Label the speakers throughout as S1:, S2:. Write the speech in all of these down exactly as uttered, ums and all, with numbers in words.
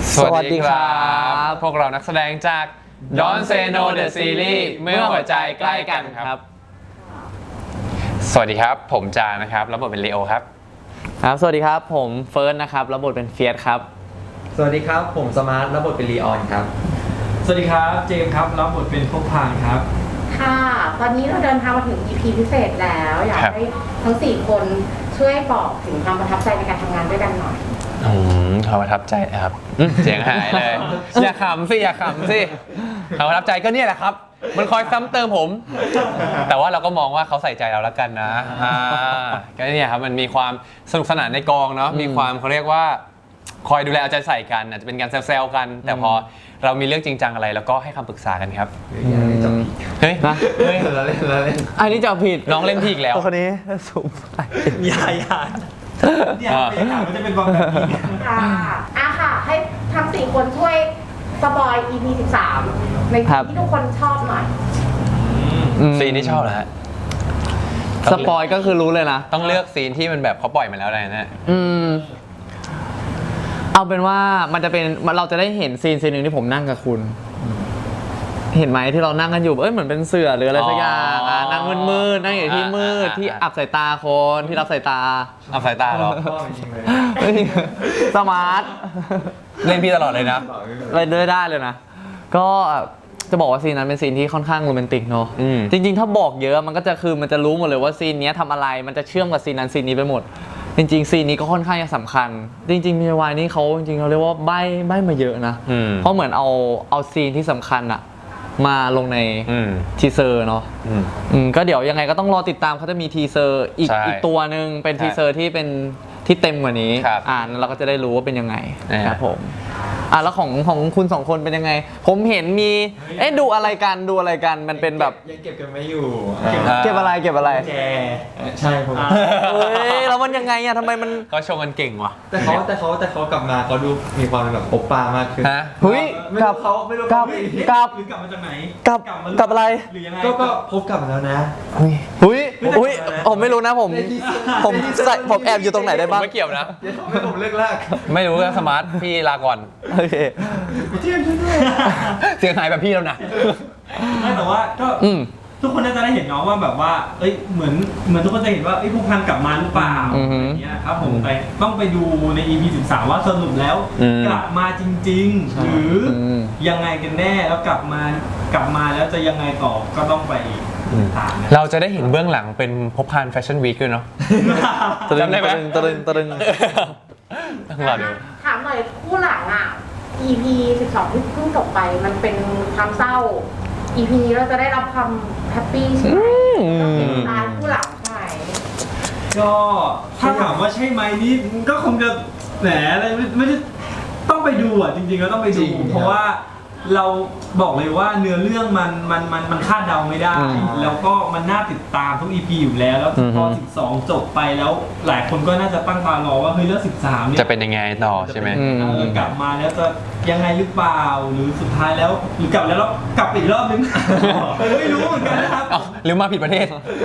S1: สวัสดีครับพวกเรานักแสดงจาก Don't Say No The Series เมื่อหัวใจใกล้กันครับสวัสดีครับผมจานะครับรับบทเป็นเลโอครับ
S2: ครับสวัสดีครับผมเฟิร์สนะครับรับบทเป็นเฟียสครับ
S3: สวัสดีครับผมสมาร์ทรับบทเป็นลีออนครับ
S4: สวัสดีครับเจมส์ครับรับบทเป็นพวกพางครับ
S5: ค่ะตอนนี้เราเดินทางมาถึง อี พี พิเศษแล้วอยากให้ทั้งสี่คนช่วยบอกถึงความประทับใจในการทำงานด้วยกันหน่อย
S1: อืมความประทับใจครับเสียงหายเลยอย่าขำสิอย่าขำสิความประทับใจก็เนี่ยแหละครับมันคอยซ้ำเติมผมแต่ว่าเราก็มองว่าเขาใส่ใจเราแล้วกันนะอ่าก็เนี่ยครับมันมีความสนุกสนานในกองเนาะมีความเขาเรียกว่าคอยดูแลเอาใจใส่กันอาจจะเป็นการแซวๆกันแต่พอเรามีเรื่องจริงจังอะไรแล้วก็ให้คำปรึกษากันครับเฮ้ย
S2: นะ
S3: เฮ้ยเราเล่นเราเล่น
S2: อันนี้จะผิด
S1: น้องเล่นพี่อีกแล้ว
S2: คนนี้สูงไป
S4: อย่าอย่าเนี่ยเป็นข่าวมันจะเป็นบอลแบบนี้
S5: ค่ะอ่ะค่ะให้ทั้งสี่คนช่วยสปอย อี พี สิบสามในที่ทุกคนชอบหน่อย
S1: ซีนที่ชอบนะฮะ
S2: สปอยก็คือรู้เลยนะ
S1: ต้องเลือกซีนที่มันแบบเขาปล่อยมาแล้วอะไรนะ
S2: อืมเอาเป็นว่ามันจะเป็นเราจะได้เห็นซีนซีนหนึ่งที่ผมนั่งกับคุณเห็นไหมที่เรานั่งกันอยู่เอ้ยเหมือนเป็นเสือหรืออะไรสักอย่างอ่ะนั่งมืดๆนั่งอยู่ที่มืดที่อับสายตาคนที่รับสายตา
S1: อับสายตาหรอ
S2: สมาร์ท
S1: เล่นพี่ตลอดเลยนะ
S2: เล่นด้วยได้เลยนะก็จะบอกว่าซีนนั้นเป็นซีนที่ค่อนข้างโรแมนติกเนาะจริงๆถ้าบอกเยอะมันก็จะคือมันจะรู้หมดเลยว่าซีนนี้ทำอะไรมันจะเชื่อมกับซีนนั้นซีนนี้ไปหมดจริงๆซีนนี้ก็ค่อนข้างจะสำคัญจริงๆมีวายนี่เขาจริงๆเขาเรียกว่าใบ้ใบ้มาเยอะนะเพราะเหมือนเอาเอาซีนที่สำคัญอะมาลงในทีเซอร์เนาะก็เดี๋ยวยังไงก็ต้องรอติดตามเขาจะมีทีเซอร์อีกอีกตัวหนึ่งเป็นทีเซอร์ที่เป็นที่เต็มกว่านี้อ่านแล้วเราก็จะได้รู้ว่าเป็นยังไงครับผมอ่ะแล้วของของคุณสองคนเป็นยังไงผมเห็นมีเอ๊ะดูอะไรกันดูอะไรกันมันเป็นแบบ
S3: ยังเก็บกันไม่อยู่
S2: เก็บอะไรเก็บอะไร
S3: แจใช่ผม
S2: เฮ้ยแล้วมันยังไงอะทำไมมัน
S1: ก็ชงกันเก่งว่ะ
S3: แต่เขาแต่เขาแต่เขากลับมาเขาดูมีความแบบโอป้ามากขึ้น
S1: ฮะ
S2: เฮ้ย
S3: กลับเขาไม่รู้
S2: กลับกลับ
S4: หรือกลับมาจากไหน
S2: กลับกลับอะไร
S4: หรือยังไง
S3: ก็ก็พบกลับมาแล้วนะ
S2: เฮ้ยเฮ้ยเฮ้ยผมไม่รู้นะผมผมใส่ผมแอบอยู่ตรงไหนได้บ้าง
S1: ไม่เกี่ยวนะ
S3: ไม่ผมเลิกลาก
S1: ไม่รู้นะสมาร์ทพี่ลาก่อน
S2: โอเค
S3: เทียนช่วยด้วย
S1: เสียงหายแบบพี่แล้วนะ
S4: ไม่แต่ว่าก็ทุกคนน่าจะได้เห็นเนาะว่าแบบว่าเอ้ยเหมือนเหมือนทุกคนจะเห็นว่าไอ้ผู้พันกลับมาหรือเปล่าอย่างเงี้ยครับผมไปต้องไปดูใน อี พี สิบสามว่าสรุปแล้วกลับมาจริงๆหรือยังไงกันแน่แล้วกลับมากลับมาแล้วจะยังไงต่อก็ต้องไป
S1: เราจะได้เห็นเบื้องหลังเป็นพบพานแฟชั่นวีคด้วยเนาะ
S2: จำได้ไหมตะลึงตะลึง
S1: ต้องรอดู
S5: ถามหน่อยคู่หลังอ่ะ อี พี สิบสองที่เพิ่งจบไปมันเป็นความเศร้า อี พี นี้เราจะได้รับความแฮปปี้ใช่ไหมเป็นตายคู่หลังใช่ไหม
S4: ก็ถ้าถามว่าใช่ไหมนี่ก็คงจะแหมอะไรไม่ได้ต้องไปดูอ่ะจริงๆก็ต้องไปดูเพราะว่าเราบอกเลยว่าเนื้อเรื่องมันมันมันมันคาดเดาไม่ได้แล้วก็มันน่าติดตามทุก อี พี อยู่แล้วแล้วพอสิบสองจบไปแล้วหลายคนก็น่าจะตั้งตารอว่าเฮ้ยเรื่องสิบสามเนี่ย
S1: จะเป็นยังไงต่อใช่ไหม
S4: กลับมาแล้วจะยังไงหรือเปล่าหรือสุดท้ายแล้วหรือกลับแล้วแล้วกลับอีกรอบนึงไม่รู้เหมือนกันนะครับ
S1: หรือมาผิดประเทศ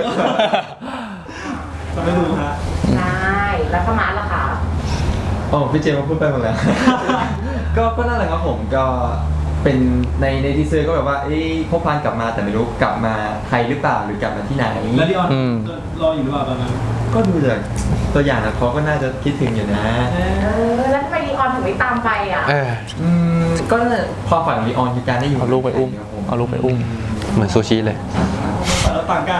S4: ก็ไม่รู้ฮะ
S5: ได้แล้วสมาร์ทล่ะคะ
S3: โอ้พี่เจมส์พูดไปหมดแล้วก็ก็นั่นแหละครับผมก็เป็นในในทีเซอร์ก็แบบว่าเอ้ยพบพานกลับมาแต่ไม่รู้กลับมาไทยหรือเปล่าหรือกลับมาที่ไหน
S4: แล้วดิออนรออยู่หรือเปล่าตอนนั้น
S3: ก็ดูจากตัวอย่างนะเขาก็น่าจะคิดถึงอยู่นะ
S5: เออแล้วทำไมดิออนถึงไม่ตามไปอ่ะ
S3: อืมก็ความฝันของดิออนคือการได้อยู่
S2: เอาลูกไปอุ้มเอาลูกไปอุ้ม
S1: เหมือนซูชิเลย
S4: เราต่างกัน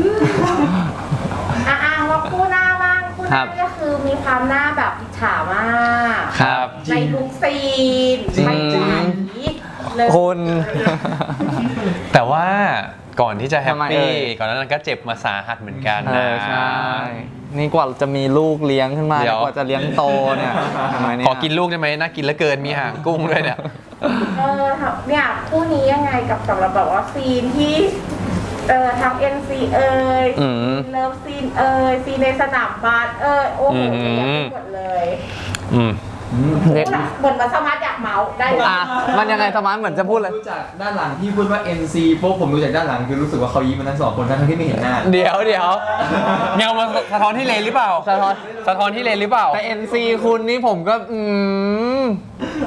S5: อ่ะๆว่าคู่หน้าบ้างคู่หน้าก็คือมีความหน้าแบบอิจฉามาก
S1: ครับ
S5: ในทุกซีนไม่จริง
S2: คน
S1: แต่ว่าก่อนที่จะแฮปปี้ก่อนนั้นก็เจ็บมาสาหัสเหมือนกันนะ
S2: ใช่นี่กว่าจะมีลูกเลี้ยงขึ้นมากว่าจะเลี้ยงโตเนี่ย
S1: ขอกินลูกได้ไหมน่ากินเหลือเกินมีหางกุ้งด้วยเนี่ย
S5: เออเนี่ยคู่นี้ยังไงกับสำหรับแบบว่าซีนที่เออทาง เอ็น ซี เอ่ยเลิฟซีนเอ่ยซีนในสนามบาสเอ่ยโอ้โหเยอะหมดเลยเหมือนมาสมาร์ทอยากเมาได้เลย
S2: มันยังไงสมาร์ทเหมือนจะพูดเลย
S3: รู้จักด้านหลังที่พูดว่า เอ็น ซี พวกผมรู้จักด้านหลังคือรู้สึกว่าเขายิ้มมันทั้งสองคนทั้งที่ไม่เห็นหน้า
S1: เดี๋ยวเดี๋ยวเงามาสะท้อนที่เลนหรือเปล่าสะท้อนสะท้อนที่เลนหรือเปล่า
S2: แต่ เอ็น ซี คุณนี่ผมก็อืม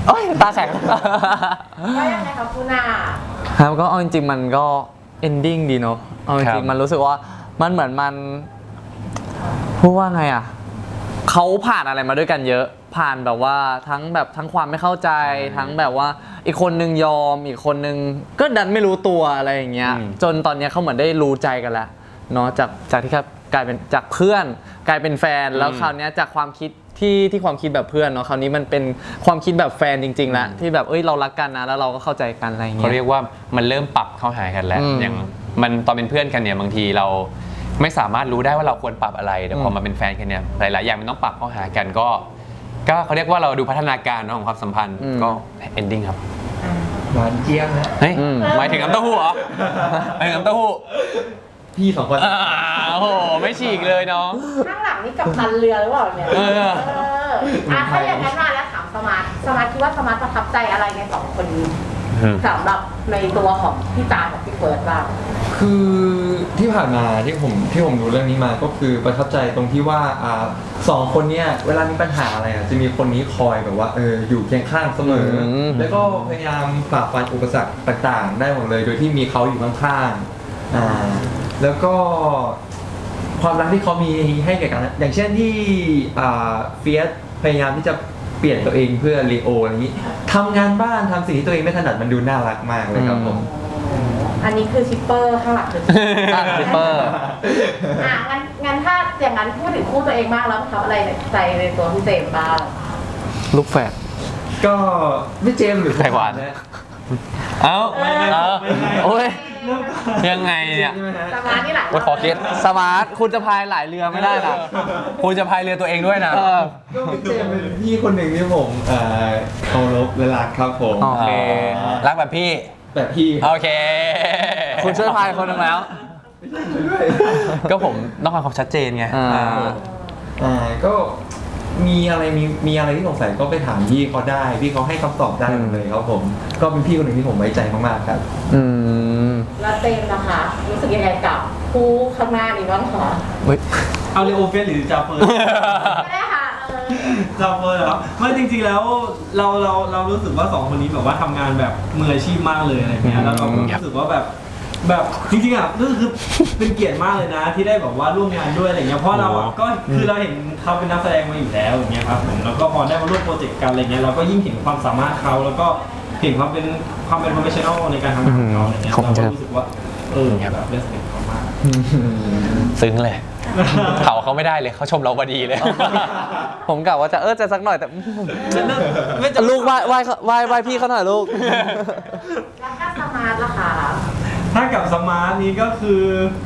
S2: โอ้ยตาแข็ง
S5: ว่ายังไงครับคุณอา
S2: ครับก็เอาจริงๆมันก็ ending ดีเนาะเอาจ
S1: ครั
S2: ริง
S1: บ
S2: ๆมันรู้สึกว่ามันเหมือนมันพูดว่าไงอ่ะเขาผ่านอะไรมาด้วยกันเยอะ ผ่านแบบว่าทั้งแบบทั้งความไม่เข้าใจทั้งแบบว่าอีกคนนึงยอมอีกคนนึงก็ดันไม่รู้ตัวอะไรอย่างเงี้ย
S1: อืม
S2: จนตอนเนี้ยเขาเหมือนได้รู้ใจกันแล้วเนาะจากจากที่ครับกลายเป็นจากเพื่อนกลายเป็นแฟนแล้วคราวเนี้ยจากความคิดที่ที่ความคิดแบบเพื่อนเนาะคราวนี้มันเป็นความคิดแบบแฟนจริงๆแล้วที่แบบเอ้ยเรารักกันนะแล้วเราก็เข้าใจกันอะไรอย่าง
S1: เขา
S2: เงี้ย
S1: เรียกว่ามันเริ่มปรับเข้าหากันแล้ว
S2: อืม
S1: อย่างมันตอนเป็นเพื่อนกันเนี่ยบางทีเราไม่สามารถรู้ได้ว่าเราควรปรับอะไรแต่พอ
S2: อืม
S1: มาเป็นแฟนกันเนี่ยหลายๆอย่างมันต้องปรับเข้าหากันก็ ก็เขาเรียกว่าเราดูพัฒนาการเนอะของความสัมพันธ์ก็ ending ครับ
S3: หวานเจี๊ยบนะ
S1: เฮ้ย
S2: อืม
S1: หมายถึงน้ำเต้าหู้เหรอหมายถึงน้ำเต้าหู้
S3: พี่สองคน
S1: อ่าโอ้โหไม่ฉีกเลยน้อง
S5: ข้างหลังนี่กับตันเรือหรือเปล่าเนี่ย
S1: เออ
S5: เอออ่ะถ้าอย่างนั้นมาแล้วถามสมาร์ทสมาร์ทคิดว่าสมาร์ทประทับใจอะไรในสองคนนี้
S1: อืม
S5: สำหรับในตัวของพี่จากับพี่เฟิร์สบ้าง
S3: คือที่ผ่านมาที่ผมที่ผมดูเรื่องนี้มาก็คือประทับใจตรงที่ว่าอ่าสองคนเนี้ยเวลามีปัญหาอะไรอ่ะจะมีคนนี้คอยแบบว่าเอออยู่เคียงข้างเสมออ
S2: ม
S3: แล้วก็พยายามฝ่าฟันอุปสรรคต่างๆ ได้หมดเลย โดยที่มีเขาอยู่ข้างๆอ่าแล้วก็ความรักที่เขามีให้แก่กัน อย่างเช่นที่อ่าเฟียสพยายามที่จะเปลี่ยนตัวเองเพื่อลีโออะไรอย่างนี้ทำงานบ้านทำสิ่งที่ตัวเองไม่ถนัดมันดูน่ารักมากเลยครับผม
S5: อันนี้คือชิปเปอร์ข้างหลังคือ
S2: อ่ะซิปเปอร์
S5: อ่ะงั้นงั้นถ้าอย่างนั้นพูดถึงคู่ตัวเองบ้างแล้วประทับอะไรในใจในตัวพี่เจมส์บ้าง
S2: ลูกแฝด
S3: ก็พี่เจมส์หรือ
S1: ไต้หวัน
S3: นะ
S1: เอ้าเอ้า
S2: โอ้ย
S1: ยังไงเนี่ย
S3: ใช่ไหมฮะ
S5: สมาร์ทนี่หลัง
S1: โอ้ยขอคิด
S2: สมาร์ทคุณจะพายหลายเรือไม่ได้นะ
S1: คุณจะพายเรือตัวเองด้วยนะ
S2: เออ
S3: ก็พี่เจมส์เป็นพี่คนหนึ่งที่ผมเอ่อเคารพและรักครับผม
S2: โอเค
S1: รักแบบพี่
S3: แบบพี่
S1: โอเค
S2: คุณช่วยพายคนหนึงแล้ว
S1: ก็ผมต้องการความชัดเจนไง
S2: อ่า
S1: อ่า
S3: อ่าก็มีอะไรมีมีอะไรที่สงสัยก็ไปถามพี่เขาได้พี่เขาให้คำตอบได้หมดเลยครับผม ก็เป็นพี่คนหนึ่งที่ผมไว้ใจมากๆครับ
S2: อืม
S5: แล้วเจมส์นะคะ รู้สึกยังไงกับคู่ข้างหน้านี้บ้างคะ
S2: เฮ้ย
S4: เอาเลโอเฟสหรือจาเฟิร์ส
S5: ไม่ได้ค่ะเออ
S4: จาเฟิร์สเหรอครับไม่จริงๆแล้วเราเราเรารู้สึกว่าสองคนนี้แบบว่าทำงานแบบมืออาชีพมากเลยอะไรเงี้ยแล้วเราก็รู้สึกว่าแบบแบบจริงๆอ่ะก็คือเป็นเกียรติมากเลยนะ ที่ได้แบบว่าร่วมงานด้วยอะไรเงี้ยเพราะเราอ่ะก็คือเราเห็นเขาเป็นนักแสดงมาอยู่แล้วอย่างเงี้ยครับผมแล้วก็พอได้มาร่วมโปรเจกต์กันอะไรเงี้ยเราก็ยิ่งเห็นความสามารถเขาแล้วก็เห็นความเป็นความเป็น professional ในการทำงานของเขาอะไรเงี้ย
S2: ขอบคุ
S4: เรา
S2: ณค
S4: ก็
S2: รับ
S4: รู้สึกว่าเออแบบเรสเพคเขามาก
S1: ซึ้งเลย เขาเขาไม่ได้เลยเขาชมเราพอดีเลย
S2: ผมกะว่าจะเออจะสักหน่อยแต่
S4: ไม่จะ
S2: ลูกไหว้ไหว้ไหว้ไหว้พี่เขาหน่อยลูก
S5: แล้วถ้าสมาร์ทล่ะคะ
S4: ถ้ากับสมาร์ทนี้ก็คือ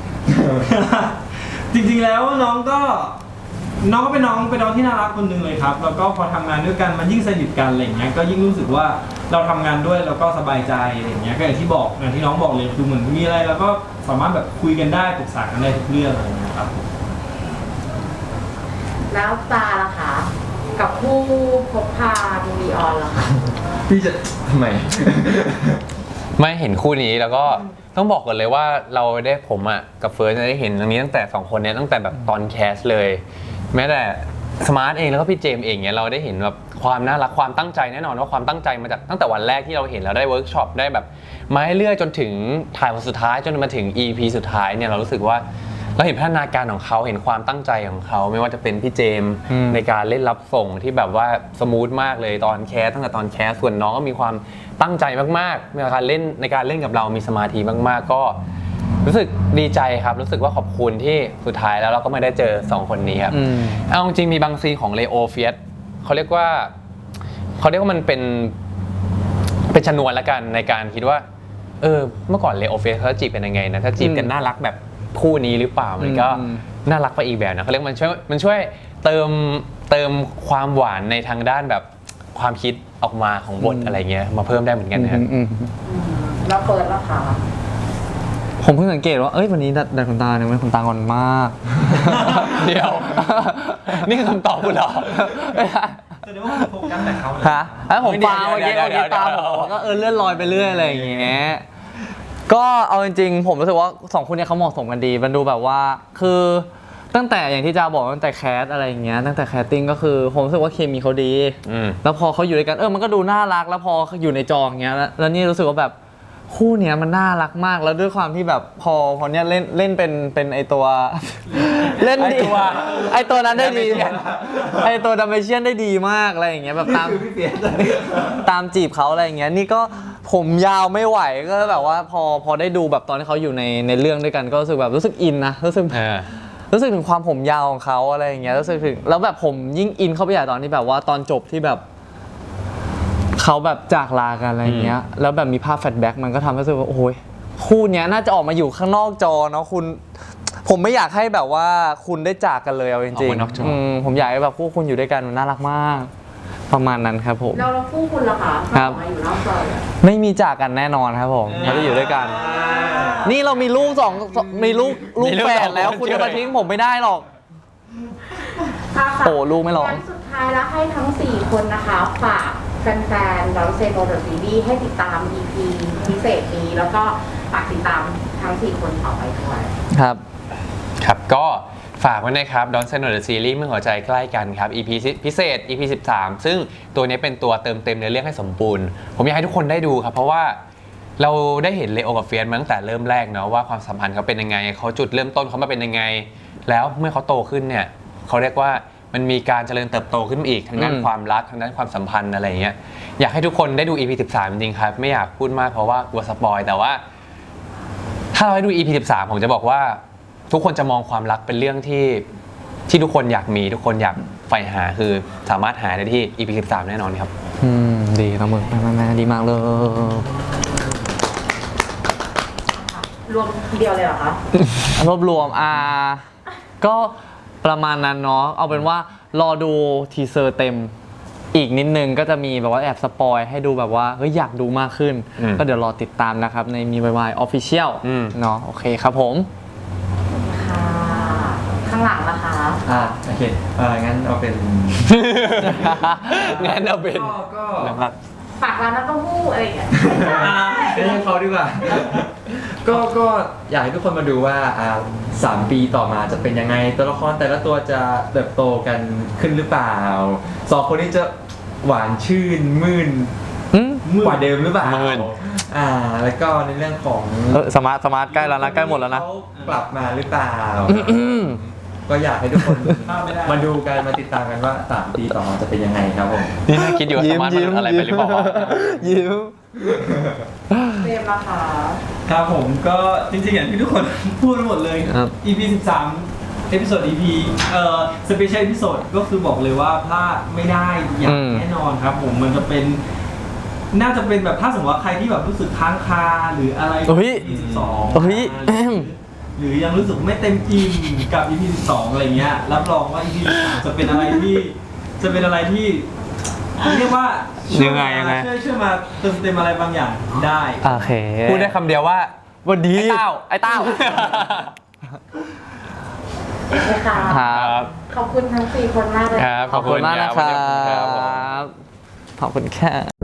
S4: จริงๆแล้วน้องก็น้องก็เป็นน้องเป็นน้องที่น่ารักคนหนึ่งเลยครับ แล้วก็พอทำงานด้วยกันมันยิ่งสนิทกันอะไรอย่างเงี้ยก็ยิ่งรู้สึกว่าเราทำงานด้วยแล้วก็สบายใจอะไรอย่างเงี้ยก็อย่างที่บอกอย่างที่น้องบอกเลยคือเหมือนมีอะไรเราก็สามารถแบบคุยกันได้ปรึกษากันได้ทุกเรื่องอะไรอย่างเงี้ยครับ
S5: แล้วตาล่ะคะ กับคู่พบพาดูดีออนล่ะคะ
S3: พี่จะทำไม
S1: ไม่เห็นคู่นี้แล้วก็ต้องบอกก่อนเลยว่าเราได้ผมอ่ะกับเฟิร์สได้เห็นตรงนี้ตั้งแต่สองคนเนี้ยตั้งแต่แบบตอนแคสเลย แม้แต่สมาร์ทเองแล้วก็พี่เจมส์เองเนี่ยเราได้เห็นแบบความน่ารักความตั้งใจแน่นอนว่าความตั้งใจมาจากตั้งแต่วันแรกที่เราเห็นเราได้เวิร์กช็อปได้แบบมาให้เรื่อยจนถึงถ่ายวันสุดท้ายจนมาถึง อี พี สุดท้ายเนี่ยเรารู้สึกว่าเราเห็นพัฒนาการของเขาเห็นความตั้งใจของเขาไม่ว่าจะเป็นพี่เจมส์
S2: อืม
S1: ในการเล่นรับส่งที่แบบว่าสมูทมากเลยตอนแคสตั้งแต่ตอนแคสส่วนน้องก็มีความตั้งใจมากๆในการเล่นในการเล่นกับเรามีสมาธิมากๆก็ รู้สึกดีใจครับรู้สึกว่าขอบคุณที่สุดท้ายแล้วเราก็ไม่ได้เจอสองคนนี้ครับ
S2: อืม
S1: เอาจริงๆมีบางซีนของเลโอเฟียสเขาเรียกว่าเขาเรียกว่ามันเป็นเป็นชนวนละกันในการคิดว่าเออเมื่อก่อนเลโอเฟียสเขาจีบเป็นยังไงนะถ้าจีบกันน่ารักแบบคู่นี้หรือเปล่ามันก็
S2: อืม
S1: น่ารักไปอีกแบบนะเขาเรียกมันช่วยมันช่วยเติมเติมความหวานในทางด้านแบบความคิดออกมาของบทอะไรเงี้ยมาเพิ่มได้เหมือนกันนะครับ
S2: อืม
S5: แล้วเฟิร์สล่ะคะ
S2: ผมเพิ่งสังเกตว่า เอ้ย วันนี้ดัดดัดขนตาเนี่ยมันขนตางอนมาก
S1: เดี๋ยว นี่คือคำตอบคุณเหรอ
S4: แสดงว่าโฟกัสแต่เขาเลย
S2: ฮะแล้วผมฟัง
S1: เดี๋
S2: เมื่
S1: ย
S2: อ
S1: ว
S2: กี้
S1: เดี๋ยว
S2: เมื่อกี้ตาม
S1: เดี๋ยว
S2: ผมก็เออเลื่อนลอยไปเรื่อยอะไรอย่างเงี้ย ก็เอาจริงๆ ผมรู้สึกว่าสองคนเนี้เขาเหมาะสมกันดี มันดูแบบว่า คือตั้งแต่อย่างที่จาบอกตั้งแต่แคสอะไรอย่างเงี้ยตั้งแต่แคสติ้งก็คือผมรู้สึกว่าเคมีเขาดี
S1: อืม
S2: แล้วพอเขาอยู่ด้วยกันเออมันก็ดูน่ารักแล้วพออยู่ในจออย่างเงี้ยแล้วแล้วนี่รู้สึกว่าแบบคู่เนี้ยมันน่ารักมากแล้วด้วยความที่แบบพอพอเนี้ยเล่นเล่นเป็นเป็นไอตัว เล่นดี
S1: ไอ้ตัว
S2: ไอตัวนั้นได้ดี
S1: Dalmatian
S2: ไอตัวดัมเบเชียนได้ดีมากอะไรอย่างเงี้ยแบบตาม
S3: คือพี่เปียก
S2: ตามจีบเขาอะไรอย่างเงี้ยนี่ก็ผมยาวไม่ไหวก็แบบว่าพอพอได้ดูแบบตอนที่เขาอยู่ในในเรื่องด้วยกันก็รู้สึกแบบรู้สึกอินนะรู้สึก
S1: เออ
S2: รู้สึกถึงความผมยาวของเขาอะไรอย่างเงี้ยรู้สึกถึงแล้วแบบผมยิ่งอินเข้าไปใหญ่ตอนที่แบบว่าตอนจบที่แบบเขาแบบจากลากันอะไรอย่างเงี้ยแล้วแบบมีภาพแฟลชแบ็กมันก็ทำให้รู้สึกว่าโอ้ยคู่เนี้ยน่าจะออกมาอยู่ข้างนอกจอเนาะคุณ ผมไม่อยากให้แบบว่าคุณได้จากกันเลยเอาจ
S1: อ
S2: ริ
S1: อก
S2: ง
S1: มานอกจออื
S2: มผมอยากให้แบบคู่คุณอยู่ด้วยกันมันน่ารักมาก ประมาณนั้นครับผม
S5: เราเราคู่คุณล่ะคะ
S2: ครับ
S5: มาอยู่นอกจอเลย
S2: ไม่มีจากกันแน่นอนครับผมเขาจะอยู่ด้วยกัน นี่เรามีลูกสองสองมีลูกลูก
S1: มีลูก
S2: แฝ
S1: สอ
S2: ด
S1: ง
S2: แล้ว
S1: คน
S2: คุณ
S1: เชื่
S2: จะ
S1: อ
S2: มาทิ้งผมไม่ได้หรอก
S5: ค่ะค่ะ
S2: โอ้ลูกไม่ร้อง
S5: งั้นสุดท้ายแล้วให้ทั้งสี่คนนะคะฝากแฟนๆเราเซโนเดอะซีรีส์ให้ติดตาม อี พี พิเศษนี้แล้วก็ฝากติดตามทั้งสี่คนต่อไปด้วย
S2: ครับ
S1: ครับก็ฝากไว้นะครับ Don't Say No The Series เมื่อหัวใจใกล้กันครับ อี พี พิเศษ อี พี สิบสาม ซึ่งตัวนี้เป็นตัวเติมเต็มในเรื่องให้สมบูรณ์ ผมอยากให้ทุกคนได้ดูครับ เพราะว่าเราได้เห็นเลโอกับเฟียสมาตั้งแต่เริ่มแรกเนาะว่าความสัมพันธ์เขาเป็นยังไงเขาจุดเริ่มต้นเขามาเป็นยังไง แล้วเมื่อเขาโตขึ้นเนี่ยเขาเรียกว่ามันมีการเจริญเติบโตขึ้นมาอีกทางด้าน
S2: อืม
S1: ความรักทางด้านความสัมพันธ์อะไรอย่างเงี้ยอยากให้ทุกคนได้ดู อี พี สิบสาม จริงๆครับไม่อยากพูดมากเพราะว่ากลัวสปอยแต่ว่า ถ้าเราให้ดู อี พี สิบสาม ผมจะบอกว่าทุกคนจะมองความรักเป็นเรื่องที่ที่ทุกคนอยากมีทุกคนอยากใฝ่หาคือสามารถหาได้ที่ อี พี สิบสาม แน่นอนครับ
S2: อืมดีนะมึงแม่ๆดีมากเลย
S5: รวมทีเดียวเลยเหรอคะ
S2: รวบรวมอ่าก็ประมาณนั้นเนาะเอาเป็นว่ารอดูทีเซอร์เต็มอีกนิดนึงก็จะมีแบบว่าแอบสปอยให้ดูแบบว่าเฮ้ยอยากดูมากขึ้น
S1: อืม
S2: ก็เดี๋ยวรอติดตามนะครับในมีวายวายออฟฟิเชียล
S1: อืม
S2: เนาะโอเคครับผม
S5: ค่ะ ข้างหลังล่ะคะ
S3: อ่าโอเคเอองั้นเอาเป็น
S1: งั้นเอาเป็น
S3: ก็ก็
S1: นะครับ
S5: ฝากร้านน้ำเต้าหู้อะไรอย่างเงี้ย
S3: ไม่ให้เขาดีกว่า ก็ก็อยากให้ทุกคนมาดูว่าอ่าสามปีต่อมาจะเป็นยังไงตัวละครแต่ละตัวจะเติบโตกันขึ้นหรือเปล่าสองคนนี้จะหวานชื่นมื่น
S2: อืม
S3: กว่าเดิมหรือเปล่า
S1: มื่น
S3: อ่าแล้วก็ในเรื่องของ
S2: เออสมาร์ทสมาร์ทใกล้แล้วนะใกล้หมดแล้วนะ
S3: เขากลับมาหรือเปล่า
S2: อืม
S3: ก็อยากให้ทุกคน
S4: ข้ามไม่ได้
S3: มาดูกันมาติดตามกันว่าสามปีต่อมาจะเป็นยังไงครับผม
S1: นี่น่าคิดอยู่ว่าสมาร์ทมันอะไรไปหรือเปล่า
S2: ยิ้ม
S5: เตรียมราคา
S4: ครับผมก็จริงๆอย่างที่ทุกคนพูดหมดเลย
S2: ครับ
S4: อี พี สิบสาม เอพิโซด อี พี เอ่อสเปเชียลเอพิโซดก็คือบอกเลยว่าพลาดไม่ได้อย่า
S2: อื
S4: ง
S2: ม
S4: แน่นอนครับผมมันจะเป็น น่าจะเป็นแบบถ้าสมมติว่าใครที่แบบรู้สึกค้างคาหรืออะไร
S2: เฮ้ย
S4: อี พี สิบสอง
S2: เฮ้ยแอม
S4: หรือยังรู้สึกไม่เต็มอิ่มกับ อี พี สิบสอง อะไรเงี้ยรับรองว่า อี พี สิบสาม จะเป็นอะไรที่จะเป็นอะไรที่เรียกว่าช่ว
S1: ยังไงยังไง
S4: ช่วยช่วยมาเติมเต็มอะไรบางอย่างได้
S2: โอเค
S1: พูดได้คำเดียวว่า
S2: วันดี
S1: ไอ้เต้า
S2: ไอ้เต้า
S5: โอเคค่ะ
S2: ครับ
S5: ขอบคุณทั้งสี่คนมากเลย
S1: ครับ
S2: ขอบคุณมากนะค
S1: วั
S2: รั
S1: นี้ขอบคุณครับผม
S2: บ ขอบคุณแค่